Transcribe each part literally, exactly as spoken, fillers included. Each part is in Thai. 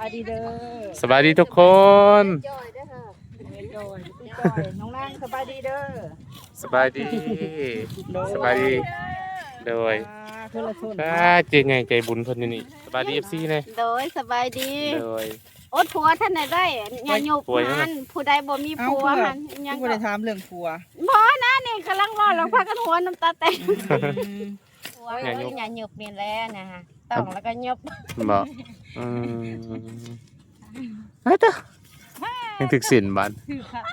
ายดีเด้อสบายดีทุกคนจอยเด้อค่ะจอยจอยน้องนางสบายดีเด้อสบายดีสบายดีโดยถ้าเจงไงใจบุญเพิ่นอยู่นี่สบายดี เอฟ ซี เลยโดยสบายดีโดยอดผัวท่านไหนได้อย่าหยุบมันผู้ใดบ่มีผัวมันยังบ่ได้ถามเรื่องผัวบ่นะนี่กำลังรอแล้วพากันหัวน้ำตาแตกผัวอย่าหยุบอย่าหยุบนี่แหละนะฮะต้องแล้วก็หยุบบ่อืมเฮ้ยเด้อยังถึกสินบาด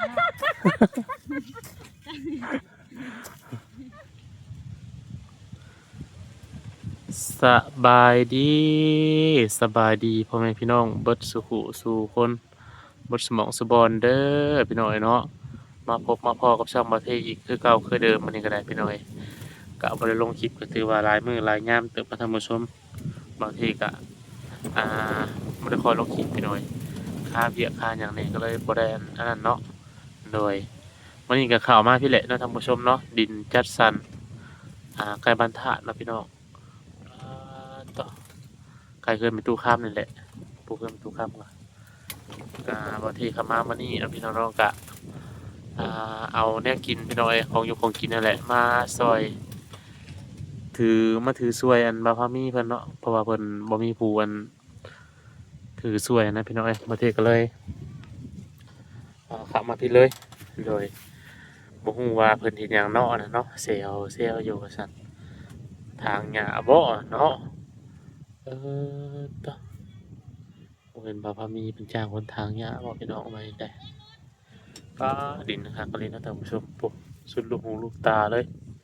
สบายดีสบายดีพ่อแม่พี่น้องเบิดสุขุสู่คนเบิดสมองสุบอนเด้อพี่น้อยเนาะมาพบมาพอกับช่องประเทศอีกคือเก่าคือเดิมมื้อนี้ก็ได้พี่น้อยก็บ่ได้ลงคลิปก็ถือว่าหลายมื้อหลายยามเติบมาท่านผู้ชมบางทีก็อ่าบ่ได้คอยลงคลิปพี่น้อยค่าเวียกค่าหยังนี่ก็เลยบ่ได้อันนั้นเนาะโดยวันนี้ก็เข้ามาพี่แหละเนาะท่านผู้ชมเนาะดินจัดสรรอ่าใกล้บ้านธาตุเนาะพี่น้องต่อใครเคยไปตู้ข้ามนี่แหละปูเคยไปตู้ข้ามก่อนกะบางทีขามามานี่เอาพี่น้องๆกะอ่าเอาเนี่ยกินพี่น้อยของอยู่ของกินนั่นแหละมาซอยถือมาถือซวยอันบาพามีเพิ่นเนาะเพราะว่าเพิ่นบ่มีผู้อันถือซวยนะพี่น้อยบางทีก็เลยอ่าขับมาพี่เลยโดยบ่ฮู้ว่าเพิ่นเฮ็ดหยังเนาะนะเนาะเซลเซลอยู่ว่าซั่นทางหญ้าบ่เนาะเออต่อผมเป็นบาพามีเป็นจ้างคนทางเนี้ยบอกพี่น้องมาได้ก็ดินนะครับก็เลยนะท่านผู้ชมปุ๊บสุดลูกหูลูกตาเลย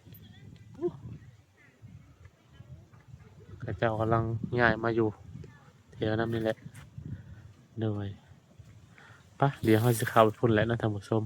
ข้าเจ้ากำลังย้ายมาอยู่แถวนั้นนี่แหละเหนื่อยปะเดี๋ยวเขาจะเข้าไปพุ่นแล้วนะท่านผู้ชม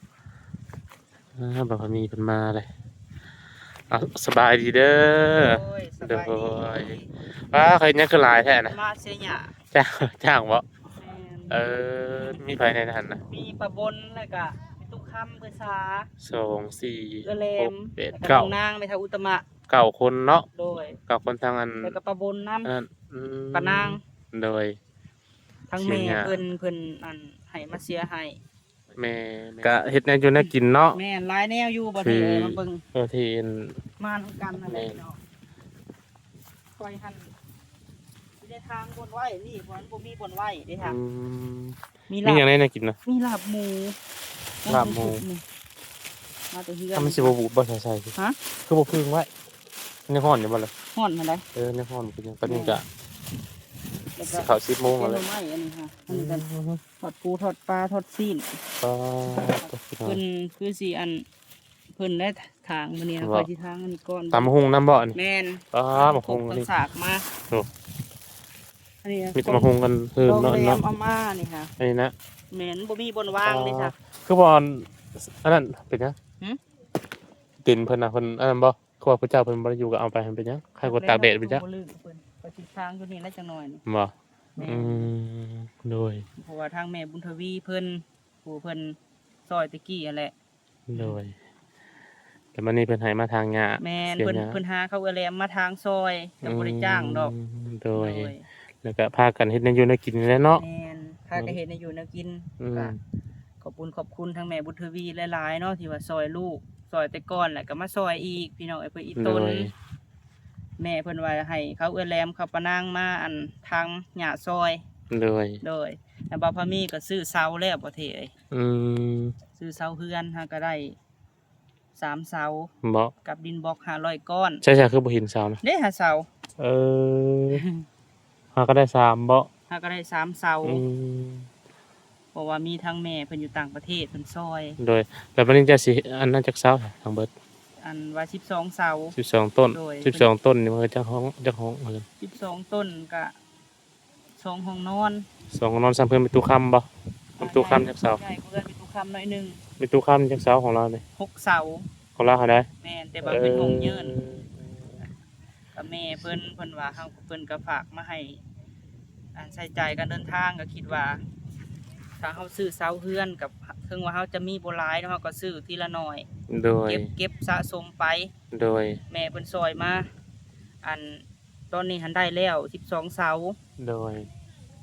บาพามีเป็นมาเลยสบายดีเด้อเด้อว้าใครเนี่ยคือลายแท้นะมาเสียหยาจ้างจ้างบ่เออมีไฟในนั้นนะมีปะบนแล้วก็มีตุกคำภาษาสองสี่หกเจ็ดเก้านางไปทางอุตมะเก้าคนเนาะโดยเก้าคนทางอันแล้วก็ปะบนน้ำปะนางโดยทั้งแม่เพิ่นเพิ่นอันให้มาเสียให้แม่ก็เฮ็ดแนวอยู่แนวกินเนาะแม่หลายแนวอยู่บ่ได้มาเบิ่งเออที่มาทำกันนั่นแหละเนาะคอยหั่นมีได้ทางบนไว้นี่บ่บ่มีบนไว้ได้ทางมีลาบมีอย่างไรน่ากินนะมีลาบหมูลาบหมูมาแต่เฮือนถ้ามันสิบ่บูดบ่ใส่ใส่ฮะคือบ่พึ่งไว้ในห้อนอยู่บ่ล่ะฮ้อนหั่นได้เออในห้อนเป็นจังตอนนี้ก็เข้าสิบโมงแล้วไม้อันนี้ค่ะอันนี้กันทอดปูทอดปลาทอดซีนปลาเพิ่นคือสิอันเพิ่นได้ทางมื้อนี้คอยสิทางอันนี้ก่อนตำหุงน้ำบ่นี่แม่นปลาหมกหุงนี่สากมาโอ้อันนี้มีตำหุงกันเพิ่มเนาะเนาะเอามานี่ค่ะอันนี้นะแม่นบ่มีบนว่างเลยค่ะคือบ่อันนั้นเป็นหยังหึตินเพิ่นน่ะเพิ่นอันนั้นบ่คือว่าพระเจ้าเพิ่นบ่ได้อยู่ก็เอาไปเป็นหยังใครกดตากแดดเป็นจังบ่ลืมเพิ่นไปสิทางอยู่นี่แล้วจังหน่อยนี่บ่อืมโดยเพราะว่าทางแม่บุญทวีเพิ่นผู้เพิ่นซอยตะกี้นั่นแหละโดยแต่มื้อนี้เพิ่นให้มาทางหญ้าแม่นเพิ่นเพิ่นหาเขาเอแลมมาทางซอยก็บ่ได้จ้างดอกโดยแล้วก็พากันเฮ็ดแนวอยู่แนวกินนี่แหละเนาะแม่นพากันเฮ็ดแนวอยู่แนวกินก็ขอบคุณขอบคุณทางแม่บุญทวีหลายๆเนาะที่ว่าซอยลูกซอยแต่ก่อนแล้วก็มาซอยอีกพี่น้องไอ้เพิ่นอีต้นแม่เพิ่นว่าให้เขาเอื้อแลมเขาปะนางมาอันทางหญ้าซอยโดยโดยแล้วบ่าวพามีก็ซื้อเสาแล้วบ่เท่เอ้ยอืมซื้อเสาเฮือนฮะก็ได้สามเสาบ่กับดินบล็อกห้าร้อยก้อนใช่ๆคือบ่เห็นเสานะเด้หาเสาเออหาก็ได้สามบ่หาก็ได้สามเสาอืมเพราะว่ามีทั้งแม่เพิ่นอยู่ต่างประเทศเพิ่นซอยโดยแล้วบัดนี้จะสิอันนั้นจักเสาทางเบิดอันว่าสิบสองเสาสิบสองต้นสิบสองต้นนี่มันจะห้องจะห้องเพิ่นสิบสองต้นก็สองห้องนอนสองห้องนอนซ้ํเพิ่นมีตู้ค้ำบ่มีตู้ค้ำจักเสาใช่เพิ่นมีตู้ค้ำหน่อยนึงมีตู้ค้ำจักเสาของเรานี่หกเสาของเราเท่าใดแม่นแต่ว่าเป็นห้องยืนก็แม่เพิ่นเพิ่นว่าเฮาเพิ่นก็ฝากมาให้อันใช้จ่ายการเดินทางก็คิดว่าถ้าเฮาซื้อเสาเฮือนกับถึงว่าเฮาจะมีบ่หลายเนาะเฮาก็ซื้อทีละน้อยโดยเก็บเก็บสะสมไปโดยแม่เพิ่นซอยมาอันตอนนี้หันได้แล้วสิบสองเสาโดย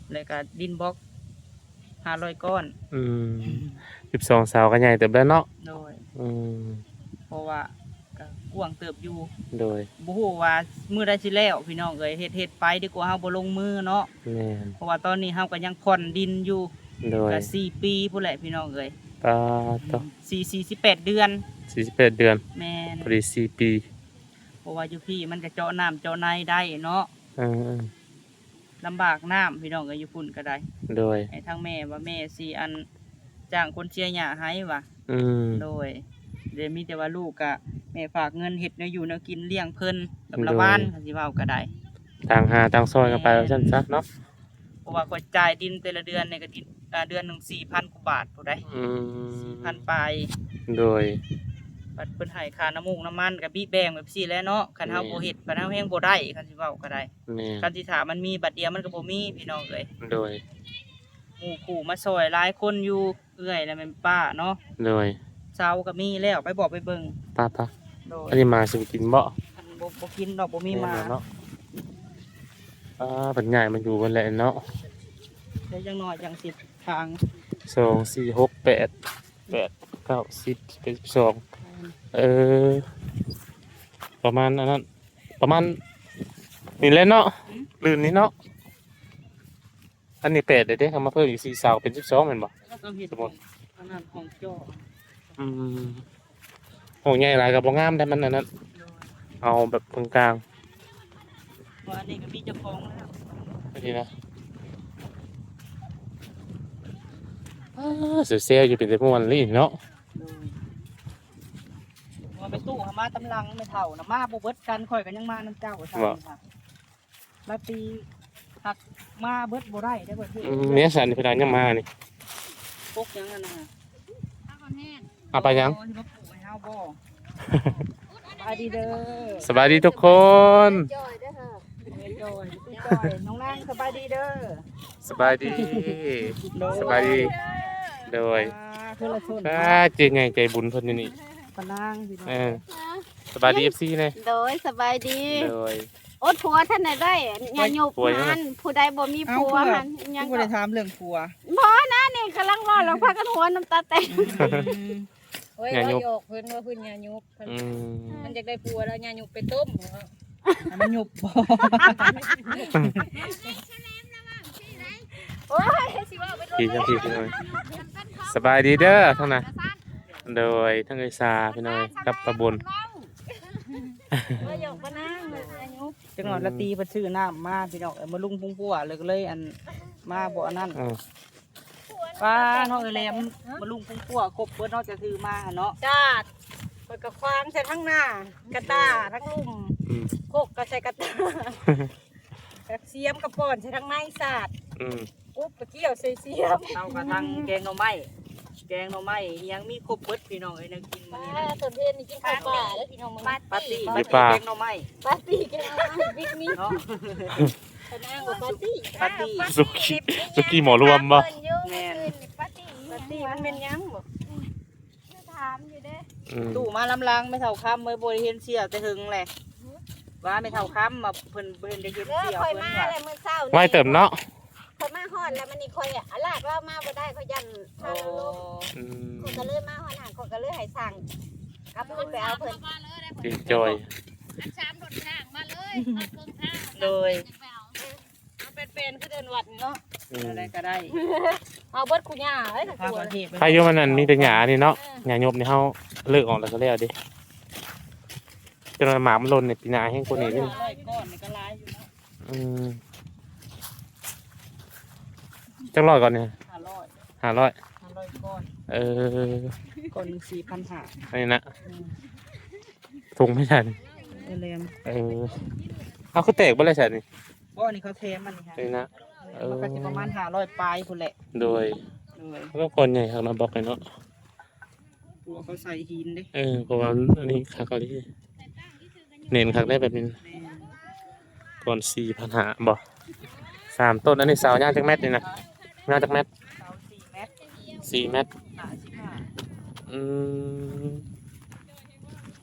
แล้วก็ดินบล็อกห้าร้อยก้อนอืมสิบสองเสาก็ใหญ่เติบแล้วเนาะโดยอืมเพราะว่าก็กว้างเติบอยู่โดยบ่ฮู้ว่ามื้อใดสิแล้วพี่น้องเอ้ยเฮ็ดเฮ็ดไปดีกว่าเฮาบ่ลงมือเนาะแม่นเพราะว่าตอนนี้เฮาก็ยังผ่อนดินอยู่โดยก็สี่ปีพุ่นแหละพี่น้องเอ้ยปาต่อสี่ สี่สิบแปดเดือนสี่สิบแปดเดือนแม่นพอดีสี่ปีเพราะว่าอยู่พี่มันก็เจาะน้ำเจาะในได้เนาะอืมลำบากน้ำพี่น้องเอ้ยอยู่พุ่นก็ได้โดยให้ทั้งแม่ว่าแม่สิอันจ้างคนเชียร์หญ้าให้ว่ะอืมโดยเดี๋ยวมีแต่ว่าลูกก็แม่ฝากเงินเฮ็ดแนวอยู่แนวกินเลี้ยงเพิ่นกับละบ้านก็สิเว้าก็ได้ต่างหาต่างซอยกันไปว่าซั่นซะเนาะเพราะว่าก็จ่ายดินแต่ละเดือนเนี่ยก็ดินอ่าเดือนหนึงสี่พันกว่าบาทผู้ใดอืมสี่พันปลายโดยบัดเพิ่นให้ค่าน้ำมูกน้ำมันก็บีแบ่งแบบซี่แหล้วเนาะคันเฮาบ่เฮ็ดคันเฮาแฮงบ่ได้คันสิเว้าก็ได้แม่คันสิถามมันมีบัดเดียวมันก็บ่มีพี่น้องเอ้ยโดยหมู่คู่มาซอยหลายคนอยู่เอื้อยแล้วแม่นป้าเนาะโดยเซาก็มีแล้วไปบอกไปเบิ่งป้าป้าโดยอันนี้มาสิไปกินบ่คันบ่บ่กินดอกบ่มีมาแเนาะอ่าเป็นใหญ่มันอยู่กันแหละเนาะได้จังน้อยจังสิทางสองสี่หกแปดแปดเก้าสิบเป็นสิบสองเออ ประมาณอันนั้นประมาณนี่แหละเนาะลื่นนี้เนาะอันนี้แปดเดี๋ยวได้ทำมาเพิ่มอีกสี่เสาเป็นสิบสองเหมือนบ่ต้องเฮ็ดสมมุติอันนั้นของจ้ออืมโหใหญ่หลายกับบ่งามได้มันอันนั้นโดยเอาแบบกลางว่าอันนี้ก็มีเจ้าของแล้วๆอันนี้นะอ่าเสียวๆอยู่เป็นแต่ม่วนลี่เนาะว่าไปตู้หามาตำลังไม่เท่านะมาบ่เบิดกันข่อยก็ยังมาน้ำเจ้าซั่นค่ะมาปีหักมาเบิดบ่ได้ได้เบิดเฮ็ดอืมเนี่ยสันนี่เพนเอายังมานี่ปกยังนั่นน่ะเอาไปยังโอ้ที่มาปลูกให้เฮาบ่สบายดีเด้อสบายดีทุกคนจอยเด้อค่ะเฮ้ยจอยพี่จอยน้องนางสบายดีเด้อสบายดีโดสบายดีโดยอ่าคือละชนถ้าเจงไงใจบุญเพิ่นอยู่นี่ปะนางพี่น้องเออสบายดี เอฟ ซีเลยโดยสบายดีโดยอดผัวท่านใดได้อย่าหยุบผัวยังไงมันผู้ใดบ่มีผัวมันยัยังงบ่ก็ได้ถามเรื่องผัวบ่นะนี่กำลังว่าเราพากันหัวน้ำตาแตกโอ้ยงานว่ายุบโยกเพิ่นว่าเพิ่นยายุบเพิ่นอืมมันจะได้ปัวแล้วยายุบไปต้มเหรออันมันหยุบบ่โอ้ยสิว่าไปโดนพี่ทั้งพี่พี่น้อยสบายดีเด้อทั้งนั้นโดยทั้งเอยซาพี่น้อยกับประบุญว่าหยกปะนางเลยอายุจังหวะละตีเพิ่นซื้อน้ำมาพี่น้องเอ้ยมาลุงพุ่งพัวเลยก็เลยอันมาบ่อันนั้นอืมป้าน้องเอ้ยแหลมมาลุงพุ่งพัวครบเพิ่นเนาะจะถือมาหั่นเนาะจาดเปิดกระควางใส่ทั้งหน้ากระตาทั้งลุ่มอืมโคกก็ใส่กระตากระเสียมกระป่อนใส่ทั้งไม้สาดอืมอุ๊บกระเกี่ยวใส่เสียมเอากระทังแกงหน่อไม้แกงหน่อไม้อิหยังมีครบเบิดพี่น้องเอ้ยแนวกินมื้อนี้นะส่วนเพนนี่กินข้าวปลาแล้วพี่น้องมึงปาร์ตี้มีปลาแกงหน่อไม้ปาร์ตี้กันบิ๊กมีเนาะปะนางกับปาร์ตี้ปาร์ตี้สุกี้สุกี้หมอรวมบ่แม่ปาร์ตี้ปาร์ตี้มันเป็นยังบ่ถามอยู่เด้อืมตู้มาลำลังไม่เท่าคำเมื่อบ่ได้เห็นเสียแต่หึงแหละว่าไม่เท่าคำมาเพิ่นเพิ่นได้เห็นเออเสียคอยเพิ่นมาว่าเลยมื้อเช้าไว้เติมเนาะคอยมาฮอดแล้วมันนี่คอยอ่ะลากเรามาบ่ได้คอยยันโอ้ทางลงอืมคนก็เลยมาหอนหางคนก็เลยให้สั่งกลับขึ้นไปเอาเพิ่นดีจอยชามรถข้างมาเลยเอาเครื่องข้างเลยเอาเป็นๆคือเดินวัดเนาะอืมอะไรก็ได้เอาเบิดกูย่าเอ้ยภาคตัวประเทศใครอยู่มันนั่นมีแต่หญ้านี่เนาะหญ้าหยบนี่เฮาเลิกออกแล้วก็แล้วดิจนว่าหมามันหล่นในปีหน้าแห้งกว่านี้เด้อร้อยก้อนนี่ก็หลายอยู่เนาะอืมจังร้อยก่อนเนี่ยห้าร้อยห้าร้อยห้าร้อยก้อนเออก้อนหนึ่งสี่พันห้าอันนี้นะถุงไม่ใช่นี่เออเลมเออเอาคือแตกบ่เลยใช่นี่ก้อนนี่เขาเทมันนี่ฮะอันนี้นะเออมันก็จะประมาณห้าร้อยปลายพุ่นแหละโดยเลยเขาก็คนใหญ่ครับมาบอกเลยเนาะตัวเขาใส่หินเด้เออเพราะว่าอันนี้คักเขาที่เน้นคักได้แบบนี้แม่ก่อนสี่พันหาบ่สามต้นอันนี้สาวยาวจากแมตรนี่นะยาวจากแมตรเสาสี่เมตรสี่เมตรห้าสิบห้าอืม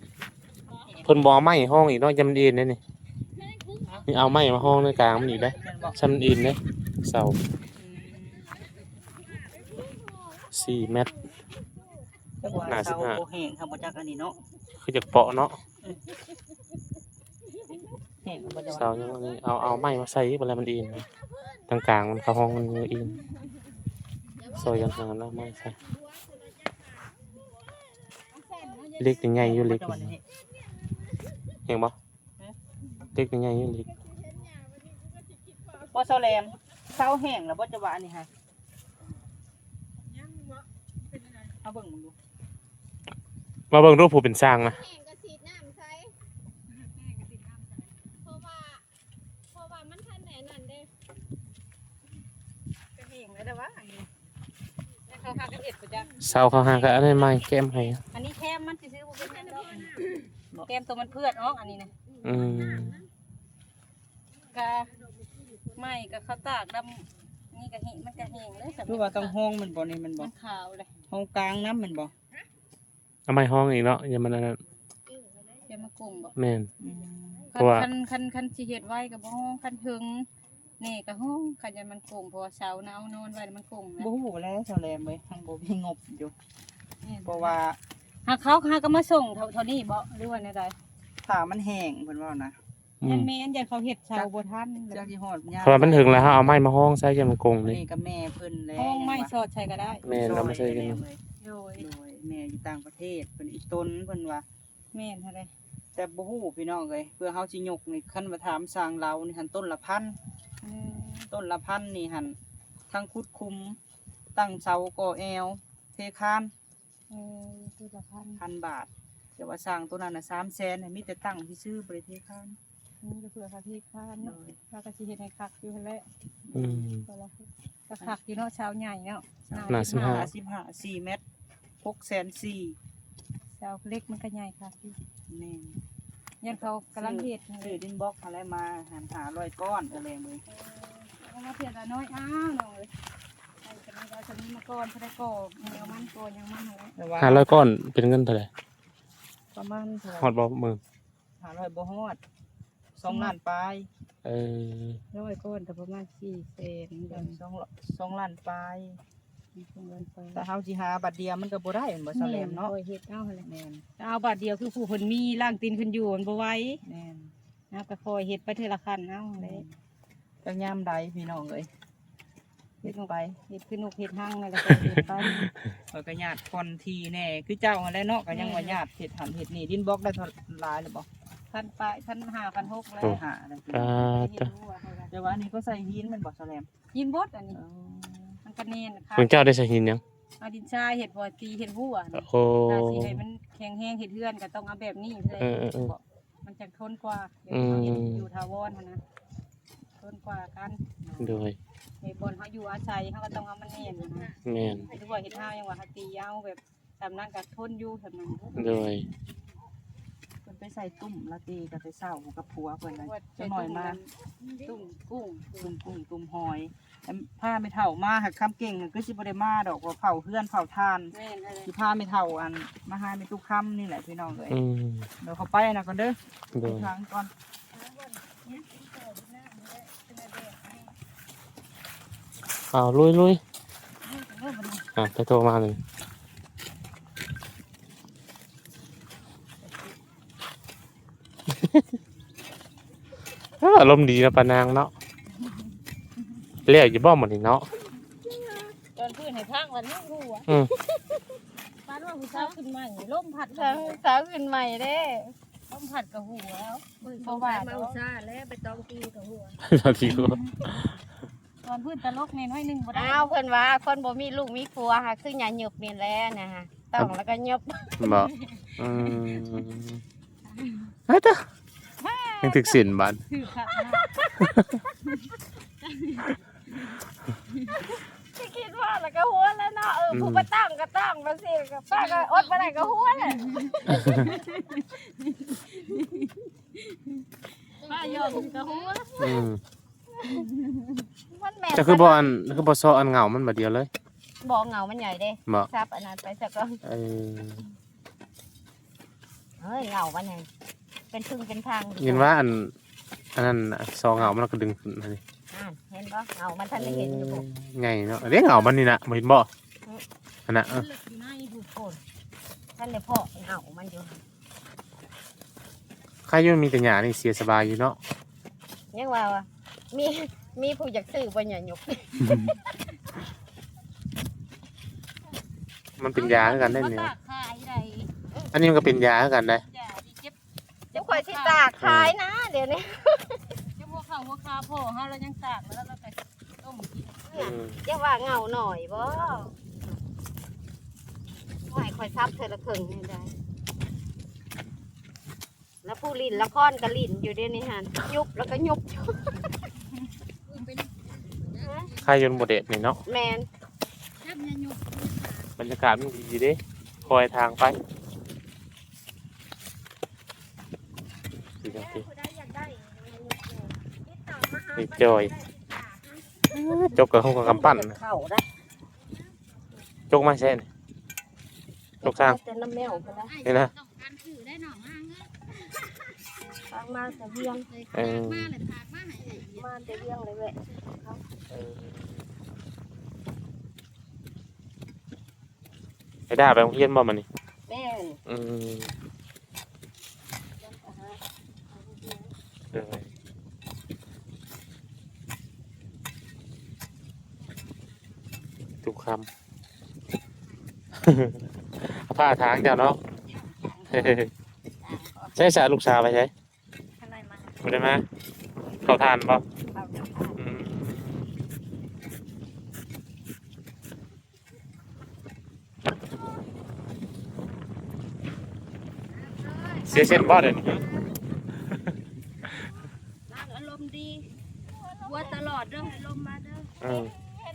เพิ่นบเอกไม้ห้องอีกเนาะยำเอ็นนี่นี่นี่เอาไม้มาห้องในกลางมันอีกได้เรื่องมันบอกซ้ำอินเด้เสาสี่เมตรจักว่าห้าสิเสาบห้าโบแห้งครับบ่จักอันนี้เนาะคือจากเปาะเนาะแห้งบ่จักเสาอย่างนี้เอาเอาไม้มาใส่เวลามันอินนะทางกลางมันเข้าห้องมันอินซอยกันหาแล้วไม้ใส่เล็กยังไงอยู่เล็กบ่จักว่านี่เห็นบ่เล็กยังไงอยู่เล็กบ่เสาแหลมเสาแห้งแล้วบ่จะว่าอันนี้ฮะเอาเบิ่งมึงดูมาเบิ่งรูปผู้เป็นสร้างนะแห้งก็ฉีดน้ำใส่เพราะว่าเพราะว่ามันทันแหน่นั่นเด้ก็เห็นแล้วแต่ว่าอันนี้แล้วเขาพากันเอ็ดบ่จ้ะเสาเขาหากันอะไรไม้แก้มให้อันนี้แคมมันสิซื้อบ่เป็นหยังดอกแคมตัวมันเพื่อนออกอันนี้นะอืมกะไม่กะข้าวตากดำนี่กะเห็นมันกะเห็นเลยสำหคือว่าต้องห้องมันบ่นี่มันบ่มันขาวเลยห้องกลางน้ำมันบ่เอาไม้ห้องอีกเนาะอย่ามันอันนั้นเดี๋ยวมากลุ่มบ่แม่นอืมเพราะว่าคันคันคันสิเฮ็ดไว้ก็บ่ฮ้องคันถึงนี่ก็ฮ้องคันจะมันกลุ่มเพราะว่าเสาหนาวนอนไว้แล้วมันกลุ่มนะบ่ฮู้แล้วเสาแหลมเว้ยทางบ่มีงบอยู่นี่เพราะว่าหากเขาหาก็มาส่งเท่าเท่านี้บ่หรือว่าแนวใดถ้ามันแห้งเพิ่นว่านะอืยัมนแม่นยันเขาเฮ็ดเสาบ่ทันจักสิฮอดยามเพราะว่ามันถึงแล้วฮะเอาไม้มาห้องใส่ยามมันกงเลยนี่ก็แม่เพิ่นแล้วห้องไม้สอดใช้ก็ได้แม่นเราไม่ใช่กันซอยแเลยโดยโดยแม่อยู่ต่างประเทศเพิ่นอีต้นเพิ่นว่าแม่นเท่าใดแต่บ่ฮู้พี่น้องเอ้ยเพื่อเฮาสิยกนี่คันว่าถามสร้างเรานี่หั่นต้นละพันอืมต้นละพันนี่หั่นทั้งคุดคุม ตั้งเสาก่อแอวเทคานเออตัวละพันพันบาทแต่ว่าสร้างตัวนั้นน่ะสามแสนให้มีแต่ตั้งซื่อๆบ่ได้เทคานนี่ก็เพื่อเขาที่ค้านเนาะแล้วก็สิเฮ็ดให้คักอยู่หั่นแหละอืมตัวละก็คักอยู่เนาะเช้าใหญ่เนาะหน้าสิบห้าสิบห้าสี่เมตรหกแสนสี่เช้าเล็กมันก็ใหญ่คักอยู่แม่นยันเขากำลังเฮ็ดนั่นซื้เลอย ดินบล็อกอะไรมาหันหาร้อยก้อนอะไรเลยเอามาเพียงละน้อยอ้าวน้องเอ้ยไอ้จะมีเราจะมีมาก่อนพระได้ก่อแนวมันก่อนยังมันหั่นแหละแต่ว่าห้าร้อยก้อนเป็นเงินเท่าไหร่ประมาณเท่าไหฮอดบ่หมื่นหาร้อยบ่ฮอดสองล้านปลายเออร้อยก้อนก็ประมาณสี่แสนเดือนสองสองล้านปลายสองล้านไปแต่เฮาสิหาบัตรเดียวมันก็บ่ได้เหมือนบ่แสลมเนาะโอ้ยเฮ็ดเอาหั่นแหละแม่นแต่เอาบาทเดียวคือผู้เพิ่นมีร่างตีนเพิ่นอยู่มันบ่ไหวแม่นนะก็คอยเฮ็ดไปเทื่อละคันเอาหั่นแหละจังยามใดพี่น้องเอ้ยเฮ็ดไปเฮ็ดคือนกเฮ็ดหั่งนั่นแหละก็เฮ็ดไปข้อยก็ญาติคอนทีแน่คือเจ้าหั่นแหละเนาะก็ยังว่าญาติเฮ็ดหันเฮ็ดนี่ดินบล็อกได้เท่าหลายหรือบ่พันปลายพันห้าพันหกแล้วหาได้อ่าเฮ็ดจ้ะรู้ว่าเท่าไหร่แต่ว่าอันนี้ก็ใส่หินมันบ่แสลมยินบดอันนี้มันก็แน่นค่ะคุณเจ้าได้ใช้หินยังเอาดินทรายเฮ็ดบ่ตีเฮ็ดหัวนี่โอ้ถ้าสิให้มันแข็งแรงเฮ็ดเฮือนก็ต้องเอาแบบนี้เลยเออเออเออมันจะทนกว่าเดี๋ยวอืมเขาเฮ็ดอยู่ทาวรหั่นนะทนกว่ากันโดยในบนเขาอยู่อาศัยเขาก็ต้องเอามันแน่นนะแม่นหรือว่าเฮ็ดห้าวยังว่าเขาตีเอาแบบตามนั้นก็ทนอยู่แบบนั้นโดยเพิ่นไปใส่ตุ่มละตีก็ไปเศร้ากับผัวเพิ่นเลยว่าจังหน่อยมาตุ้มกุ้งตุ่มกุ้งตุ่มหอยแต่ผ้าไม่เท่ามาหักคำเก่งก็สิบ่ได้มาดอกว่าเผาเพื่อนเผาทานแม่นอะไรสิผ้าไม่เท่าอันมาหาไม่ตุกค่ำนี่แหละพี่น้องเอ้ยอืมเดี๋ยวเขาไปนะก่อนเด้อโดไปยทางก่อนเอาลุยลุยอ่ะไปโทรมาเลยอารมณ์ดีนะปานางเนาะเรียกอยู่บ้อหมดนี่เนาะตอนพื้นให้ทางวันนี้รู้อ่ะอืมปานว่าผู้สาวขึ้นมาอย่างนี้ลมพัดสาวสาวขึ้นใหม่เด้ลมพัดกับหัวแล้วบ่ว่ามาดออุกตส่าห์แล้วไปตองตีกับหัวสวัสดีครับตอนพื้นตลกในน้อยหนึงบ่ได้อ้าวเพิ่นว่าคนบ่มีลูกมีครัวค่ะคือหยาหยบนี่แหละนะฮะต้องแล้วก็หยบบอกอืมเฮ้ยจ้ะยังถึกสินบานคือค่ะสิคิดว่าแล้วก็หัวแล้วเนาะเออผู้บ่ตั้งก็ตั้งบ่สิก็ป้าก็อดบ่ได้ก็หัวแหละป้ายอมกับหัวอืมมันแม่นจะคือบอลคือบอซออันเหงามันแบบเดียวเลยบ่เหงามันใหญ่เด้บอกซับอันนั้นไปซะก่อนเออเฮ้ยเหงามันใหญ่เป็นพึ่งเป็นทางยินว่าอันอันนั้นน่ะซอเหงามันก็ดึงขึ้นมาดิฮอ่านเห็นบ่เงามันท่านได้เห็นอยู่บ่ไงเนาะเด้เหงามันนี่น่ะบ่เห็นบ่อันน่ะเออมันลึกอยู่ในหูโคนท่านได้เพาะเงามันอยู่ใครอยู่มีแต่หญ้านี่เสียสบายอยู่เนาะยังว่าว่ามีมีผู้อยากซื้อบ่หย่หยกมันเป็นยาคือกันได้เนี่ยตากขายได้อันนี้มันก็เป็นยาคือกันได้อย่าดิเจ็บเดี๋ยวข่อยสิตากขายนะเดี๋ยวนี้เจ้าหัวข้าวหัวคาโผล่เฮาแล้วยังตากแล้วเราก็ต้มกินอืมจะว่าเงาหน่อยบ่ข่อยข่อยซับเธอละครึ่งนี่ได้แล้วผู้ลิ้นละครก็ลิ้นอยู่เดี๋ยวนี้หั่นยุบแล้วก็ยุบใครอยู่บนเด็ดนี่เนาะแม่นแซ่บเนี่ยยุบบรรยากาศมันดีเด้คอยทางไปดีจังสินี่จอยจกกับห้องกับกำปั้นเข้าได้จกมาใช่นี่จกทางแต่น้ำแมวพุ่นนะนี่นะต้องการถือได้หน่อมากเอ้ยทางมาแต่เวียงเลยเอพากอมาเลยพากมาให้ละเอียดมาแต่เวียงเลยเว้ยเออไปด่าไปโรงเรียนบ่มันนี่แม่นอืมเออทุกคำ เอาผ้าทางเจ้าเนาะ ใช่สาลูกสาวไปใช่ข้างในมาไม่ได้มาเขาทานป่ะเอาจะทานเสียเส้นบ่เดี๋ยวนี้ร้านอารมณ์ดีวัวตลอดเด้อให้ลมมาเด้ออืม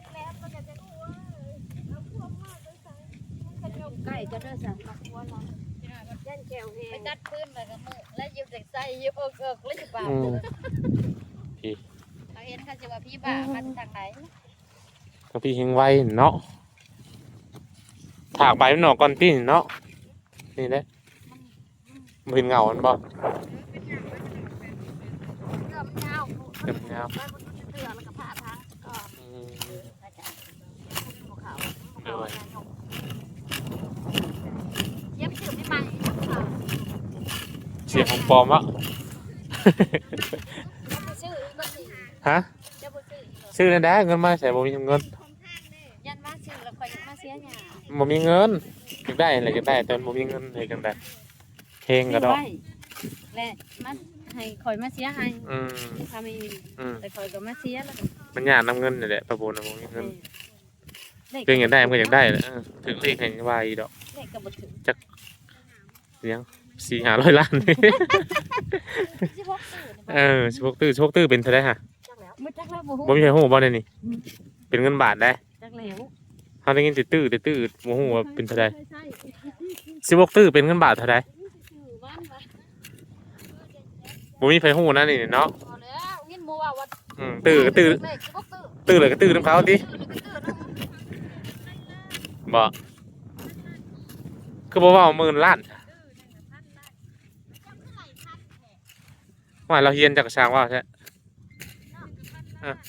ใกล้จะเด้อสั่งกับวัวเราย่านแก้วเฮไปงจัดพื้นเลยกับมือแล้วยิบเด็กใส่ยิบเอิกเอิกเลยบ่าอืมพี่เขาเห็นเขาจะว่าพี่บ่ามาจากทางไหนก็พี่เฮงไว้เนาะถากใบมันออกก่อนพี่เนาะนี่แหละมันเป็นเงามันบ่เกือบยาวเป็นเงาไปบนเสือแล้วก็ผ้าทางก็อืมอาจารย์ภูเขาเดี๋ยวไว้เย็บชื่อไม่ใหม่เสียงของปลอมวะชื่อก็สิฮะจะบ่ชื่อซื้อนั่นได้เงินมาใส่บ่มีเงินยันมาชื่อแล้วคอยมาเสียหยาบ่มีเงินอยากได้อะไรอยากได้แต่บ่มีเงินให้กันได้เพลงก็ดอกและมันให้คอยมาเสียให้อืมทำเองอืมแต่คอยก็มาเสียแล้วมันยากนำเงินนี่แหละประโบนบ่มีเงินเด็กเพลงอยากได้มันก็อยากได้แหละเออถึงเลขให้ว่าอีดอกเด็กก็บ่ถึงเลี้ยงสี่ห้าร้อยล้านสิบหกตื่นเออสิบหกตื้อสิบหกตื้อเป็นเท่าไดฮะจักแล้วบ่จักแล้วบ่ฮู้บ่มีใครฮู้บ่ได้นี่เป็นเงินบาทได้จักแล้วเฮาได้ยินแต่ตื้อแต่ตื้อบ่ฮู้ว่าเป็นเท่าใดสิบหกตื้อเป็นเงินบาทเท่าใดชื่อบ้านว่าบ่มีใครฮู้นะนี่เนาะพอแล้วยินบ่ว่าว่าอืมตื้อก็ตื้อเลขสิบหกตื่นตื้อเลยก็ตื้อนํเขาติบ่คือบ่เว้าหมื่นล้านว่าเราเฮียนจากช่างว่าใช่อัน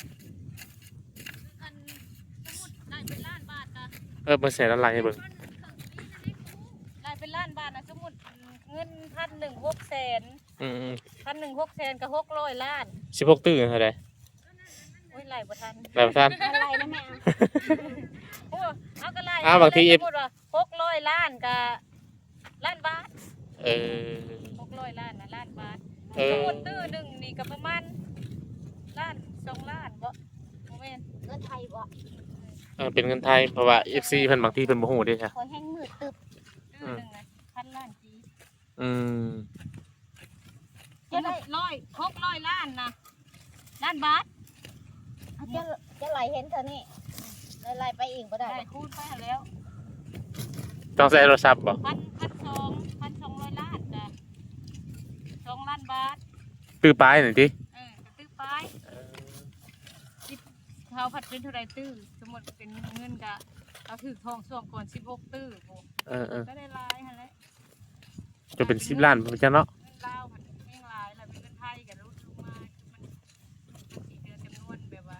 สมมุติได้เป็นล้านบาทนะเออเบิ่งแสนอะไรให้เบิ่งได้เป็นล้านบาทนะสมมุติเงินพันหนึ่งหกแสนอืมพันหนึ่งหกแสนก็หกร้อยล้านๆสิบหกตื้อเท่าใดโอ้ยไหลบ่ทันแล้วท่านอะไรนะแม่โอ้เอาก็ไหลอ้าวบางทีสมมุติว่าหกร้อยล้านก็ล้านบาทเออหกร้อยล้านนะล้านบาทเอสอมมุติตื้อหนึ่งนี่ก็ประมาณล้านสองล้านบ่โมเมนเงินไทยบ่เออเป็นเงินไทยเพราะว่า เอฟ ซี เพิ่นบางทีเพิ่นบ่ฮู้เด้ค่ะคอยแห้งมืดตึบตื้อหนึ่งนะพันล้านจีอืมจะได้ร้อยหกร้อยล้านนะล้านบาทเอาจะจะไหลเห็นเท่านี้ไหลไปอีกบ่ได้ได้คูณไปแล้วต้องใช้โทรศัพท์บ่พันพันสองพันสองร้อยล้านจ้ะสองล้านบาทตื้อปลายหน่อยติเออกระตื้อไปสิบเขาผัดเป็นเท่าไรตื้อสมมติเป็นเงินกะเอาถือทองส่วงก่อนสิบหกตื้อโอ้เออเออก็ได้หลายฮะแหละจะเป็นสิบล้านพุ่นจังเนาะเงินลาวมันแม่งหลายแล้วเป็นเงินไทยกับรุ่นลงมามันสีเดือนจำนวนแบบว่า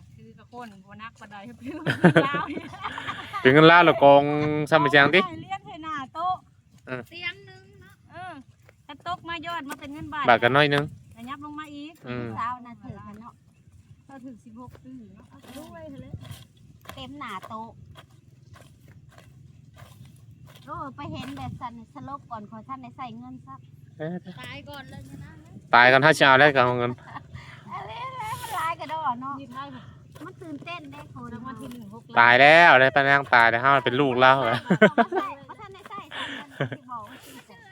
คนบ่นักบ่ได้เพิ่นลาวเนี่ยเป็นเงินล้านละกองซ้ำไปแจงติเลี้ยงให้หน้าโต๊ะเออเตียงนึงเนาะเออถ้าตกมายอดมาเป็นเงินบาทบาทกันน้อยนึงแต่ยับลงมาอีกอืมสาวน่ะถือกันเนาะก็ถึงสิบหกปีเนาะเอาด้วยเถอะเลยเต็มหน้าโต๊ะโอ้ไปเห็นแบบสันสลบก่อนขอท่านได้ใส่เงินซักเอ้ยตายก่อนเลยนะตายกันถ้าจะเอาได้กันเอาเงินอะไรแล้วมันลายกระดอเนาะนี่ไทยมันตื่นเต้นได้คนรางวัลที่หนึ่งหกตายแล้วได้ปะนางตายแล้วเฮาเป็นลูกแล้วเหรอมาใส่มาท่านได้ใส่ใส่กันที่บอกว่าชื่อแต่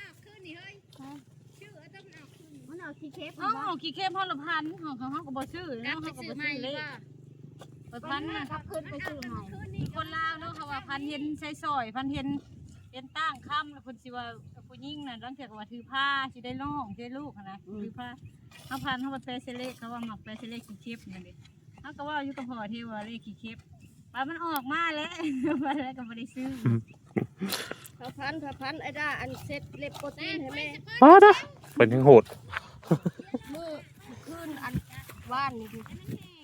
มันเอาขี้เค็บเอ้าขี้เข้มพ่อละพันของเขาเขาก็บ่ซื้อเนาะเขาก็บ่ซื้อเลยไปพันน่ะขับขึ้นไปซื้อใหม่มีคนลาวเนาะเขาว่าพันเห็นใช้ซอยพันเห็นเป็นตั้งค่ำแล้วเพิ่นสิว่าผู้หญิงน่ะตั้งแต่ว่าถือผ้าสิได้น้องสิได้ลูกนะถือผ้าเฮาพันเฮาบ่แปลเสเลเขาว่ามักแปลเสเลขี้เข็บนั่นดิเฮาก็ว่าอยู่กับพ่อที่ว่าเลขขี้เข็บว่ามันออกมาแล้ว ว่าแล้วก็บ่ได้ซื้อพระพันพระพันไอ้ด้าอันเซ็ตเล็บโปรตีนให้แม่มาเด้อเป็นยังโหดมือขึ้นอันว่านนี่ดูนั่น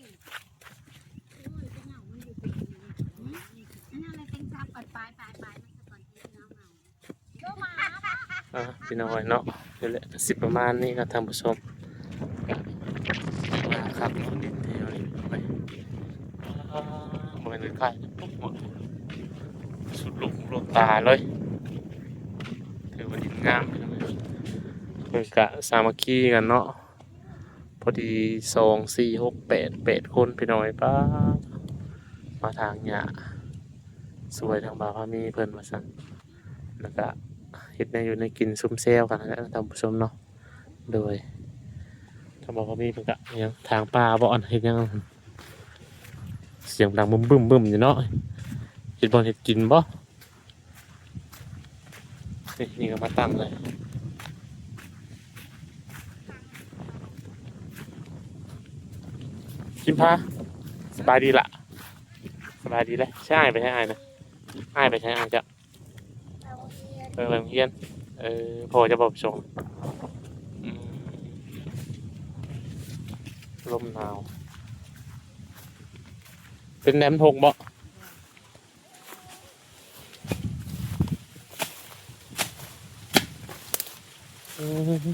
อะไรเป็นซับปัดปลายปลายปลายมันจะก่อนที่น้องเอาโตมาอ่ะพี่น้อยเนาะเดี๋ยวแหละสิประมาณนี้ครับท่านผู้ชมมาครับคนดินแถวนี้ไปอ่าบ่เป็นใกล้ปุ๊บหมดสุดลูกหูลูกตาเลยถือว่าดินงามพี่น้อยเพิ่นกะสามัคคีกันเนาะพอดีสองสี่หกแปดแปดคนพี่น้อยป้ามาทางหญ้าสวยทางบ่าวพามีเพิ่นว่าซั่นแล้วก็ เฮ็ดในอยู่ในกินซุ่มแซวกันนะท่านผู้ชมเนาะโดยถ้าบอกว่ามีเพิ่นก็ยังทางป่าบ่อนเฮ็ดหยังเสียงดังบึ้มบึ้มบึ้มอยู่เนาะเฮ็ดบ่เฮ็ดกินบ่นี่นี่ก็มาตั้งเลยกินพาสบายดีล่ะสบายดีเลยใช่ไปใช้อ้ายนะอ้ายไปใช้อ้ายจ้ะ เออโรงเรียนเออพอจะบอกส่งอืมลมหนาว เป็นแหนมทกบ่อืม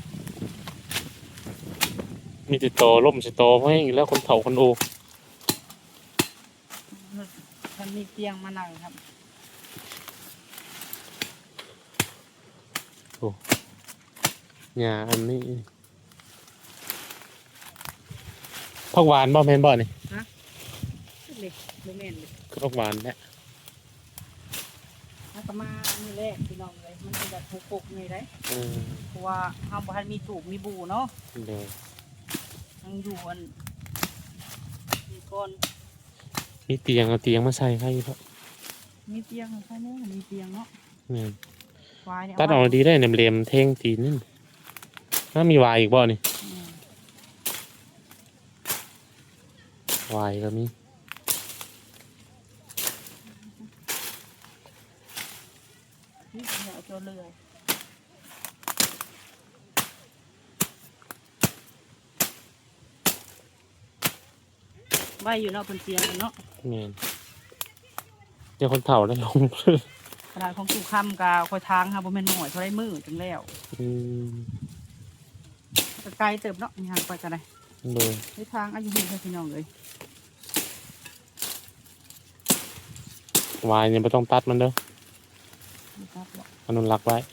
มีติดต่อล่มสิต่อเพราะอย่างนี้แล้วคนเฒ่าคนโอมันมีเตียงมานั่งครับหญ้าอันนี้ผักหวานบ่แม่นบ่นี่เล็กโมเมนต์เลยคือผักหวานแหละแล้วก็มาอันนี้แรกพี่น้องเลยมันเป็นแบบปุกๆนี่ได้อืมเพราะว่าเฮาบ่ทันมีตูบมีบูเนาะเดี๋ยวยังอยู่อันมีก่อนมีเตียงเอาเตียงมาใส่ให้ครับมีเตียงใช่ไหมมีเตียงเนาะแม่นวายเนี่ยตัดออกดีได้เนี่ยเหลี่ยมเท่งตีนนี่ถ้ามีวายอีกบ่นี่อืมวายก็มีนี่เดี๋ยวเอาตัวเลื่อยไว้อยู่เนาะบนเตียงเนาะแม่นเดี๋ยวคนเฒ่าแล้วลงขนาดของตู่คำกาคอยทางค่ะบ่แม่นหน่อยเท่าไรมือจังแล้วอืมก็ไกลเติบเนาะมีทางไปกันได้โดยในทางอายุเห็นพี่น้องเลยวายเนี่ยไม่ต้องตัดมันเด้อไม่ครับหรอกอนุรักษ์ไว้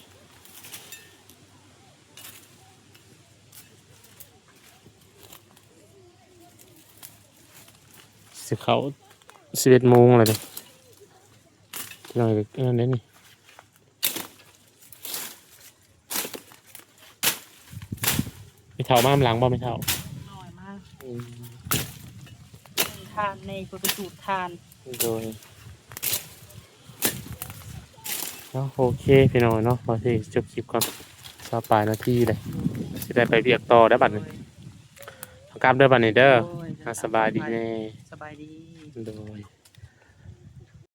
สิเขาสิบเอ็ดโมงเลยเด้อหน่อยก็นั่นเด้นี่ไม่เท่ามาหลังบ่ไม่เท่าหน่อยมากอืมทานในประสูตรทานโดยเนาะโอเคพี่น้องเนาะพอที่จบคลิปก่อนสปายนาทีเลยจะได้ไปเรียกต่อได้บัดนี้เอากลับเด้อบัดนี้เด้อโอ้ยอ่ะสบายดีแน่สบายดีโดย